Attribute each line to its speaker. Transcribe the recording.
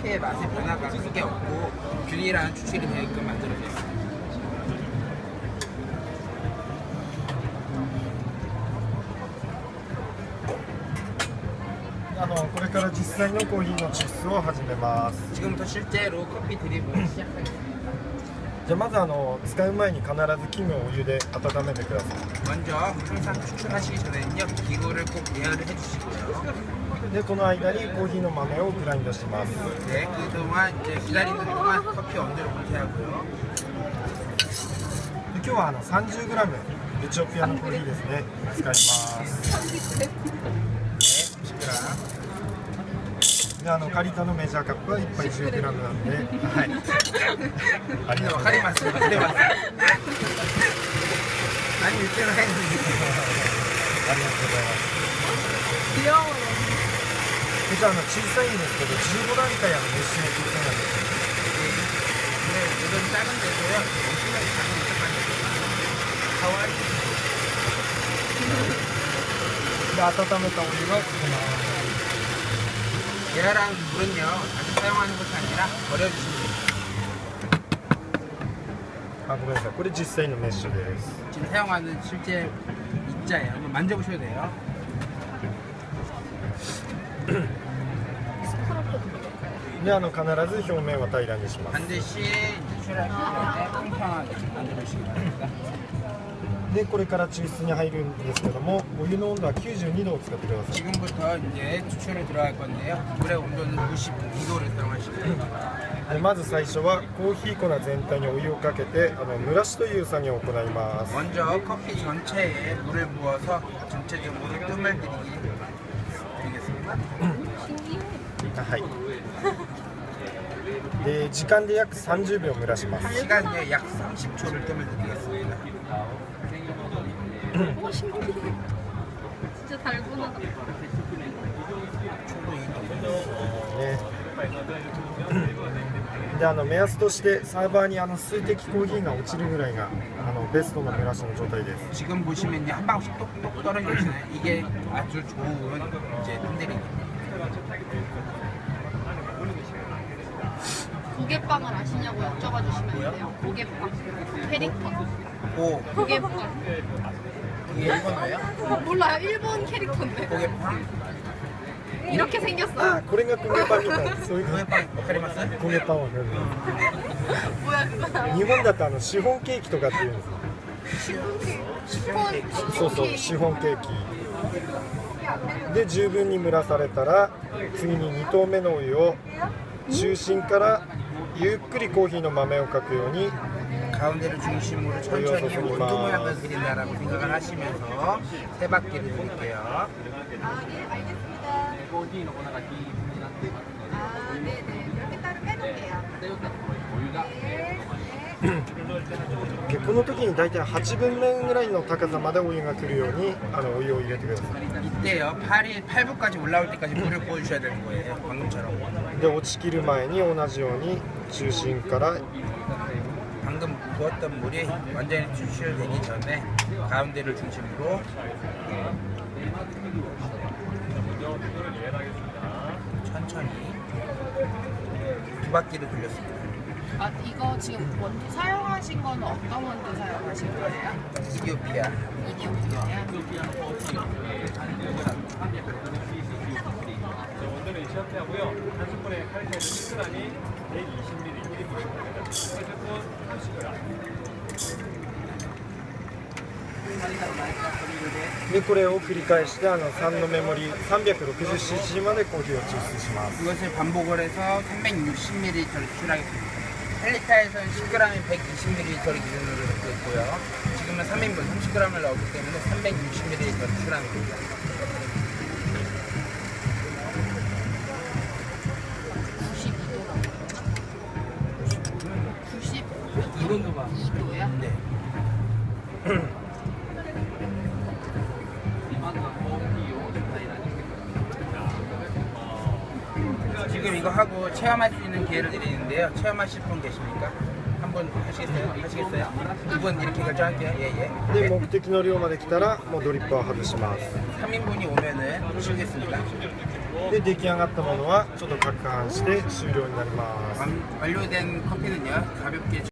Speaker 1: 커피의 맛의 변화가 크게 없고 균일한 추출이 되게끔 만들어졌어요.
Speaker 2: これから実際のコーヒーの抽出を始めます。
Speaker 1: 지금부터 실제로 커피 드립을 시작하겠습니다.
Speaker 2: じゃあまず使う前に必ず器具をお湯で温めてください。
Speaker 1: 먼저 항상 추출하시기 전에는요 기구를 꼭 예열을 해주시고요.
Speaker 2: でこの間にコーヒーの豆をグラインドします。
Speaker 1: 네, 그동안 이제 기다리는 동안 커피 온도를 공개하고요.
Speaker 2: で今日は30g エチオピアのコーヒーですね使います。
Speaker 1: 네, 30g.
Speaker 2: でカリタのメジャーカップは1杯 10g なんで、はい。ありがとうございます。
Speaker 1: 아니,言ってないんです。
Speaker 2: ありがとうございます。
Speaker 3: 귀여워요.
Speaker 2: じゃあ小さいんですけど15段階熱しの調整なんですよ。
Speaker 1: 네, 이건 작은데도요. 엄청나게 작은 습관이에요. 가와리.
Speaker 2: で温めたお湯がこの
Speaker 1: 예열한 물은요 자주 사용하는 것이 아니라 버려주시면 됩니다.
Speaker 2: ごめんなさい。これ実際のメッシュです。
Speaker 1: 지금 사용하는 실제 입자예요. 한번 만져보셔도 돼요.
Speaker 2: で必ず表面は平らにします。
Speaker 1: 반드시 추출하실 때 평평하게 만들어주시기 바랍니다.
Speaker 2: でこれから抽出に入るんですけども、お湯の温度は92度を使ってください。
Speaker 1: 지금부터 이제 추출에 들어갈 건데요. 물의 온도는 92도를 사용하시면 됩니다.
Speaker 2: でまず最初はコーヒー粉全体にお湯をかけて蒸らしという作業を行います。
Speaker 1: 먼저 커피 전체에 물을 부어서 전체적으로 뜸을 드리겠습니다.
Speaker 2: はい。で時間で約30秒蒸らします。
Speaker 1: 시간에 약 30초를 뜸을 드리겠습니다.
Speaker 3: 오, 신기해. 진짜 달고나.
Speaker 2: ね。で目安としてサーバーに水滴コーヒーが落ちるぐらいがベストの蒸らしの状態です。
Speaker 1: 지금 보시면요 한 방울씩 똑똑 떨어지고 있잖아요. 이게 아주 좋은 이제 뜸들입니다.
Speaker 3: 고개빵을 아시냐고 여쭤봐 주시면 돼요. 고개빵, 캐릭터.
Speaker 1: 고
Speaker 3: 고개빵.
Speaker 1: 이게 일본어예요?
Speaker 3: 몰라요. 일본 캐릭터인데.
Speaker 1: 고개빵?
Speaker 3: 이렇게 생겼어요.
Speaker 2: これが焦げパンみたいなそういう
Speaker 1: 고개빵わかります?
Speaker 2: 焦げパンは
Speaker 3: 뭐야 그거?
Speaker 2: 日本だとシフォンケーキとかっていうんですよ。 そうそうシフォンケーキで十分に蒸らされたら次に2投目のお湯を中心からゆっくりコーヒーの豆をかくように
Speaker 1: 가운데를 중심으로 천천히 원두 모양을 그린다라고 생각을 하시면서 세 바퀴를 돌릴게요.
Speaker 3: 아, 네, 알겠습니다. 아, 네네. 이렇게 따로 빼놓을게요. 네.
Speaker 2: この時に大体8分目ぐらいの高さまでお湯が来るようにお湯を入れてください。
Speaker 1: 이때요 8부까지 올라올 때까지 물을 부어주셔야 되는 거예요. 방금처럼.
Speaker 2: で落ちきる前に同じように中心から
Speaker 1: 방금 부었던 물이 완전히 추출되기 전에 가운데를 중심으로 천천히 두 바퀴를 돌렸습니다.
Speaker 3: 아, 이거 지금 원두 사용하신 건 어떤 원두 사용하신 거예요?
Speaker 1: 이디오피아.
Speaker 3: 이디오피아요?
Speaker 4: 원두는 이시아피아고요. 한 스푼에 칼슘 10g이 120ml 1리터입니다. 한 스푼 30g.
Speaker 2: でこれを繰り返して3のメモリ 360cc までコーヒーを抽出します。
Speaker 1: 이것을 반복을 해서 360ml를 추출하겠습니다. 1리터에서는 10g이 120ml를 기준으로 넣고 있고요. 지금은 3인분 30g을 넣었기 때문에 360ml를 추출하는 겁니다.
Speaker 3: 92도요?
Speaker 1: 네. 지금 이거 하고 체험할 수 있는 기회를 드리는데요. 체험하실 분 계십니까? 한 분 하시겠어요? 하시겠어요? 두 분 이렇게 결정할게요. 예예.
Speaker 2: で目的の量まで来たらもうドリッパーを外します。
Speaker 1: 3인분이 오면은 치우겠습니다.
Speaker 2: で出来上がったものはちょっと攪拌して終了になります。
Speaker 1: 완료된 커피는요 가볍게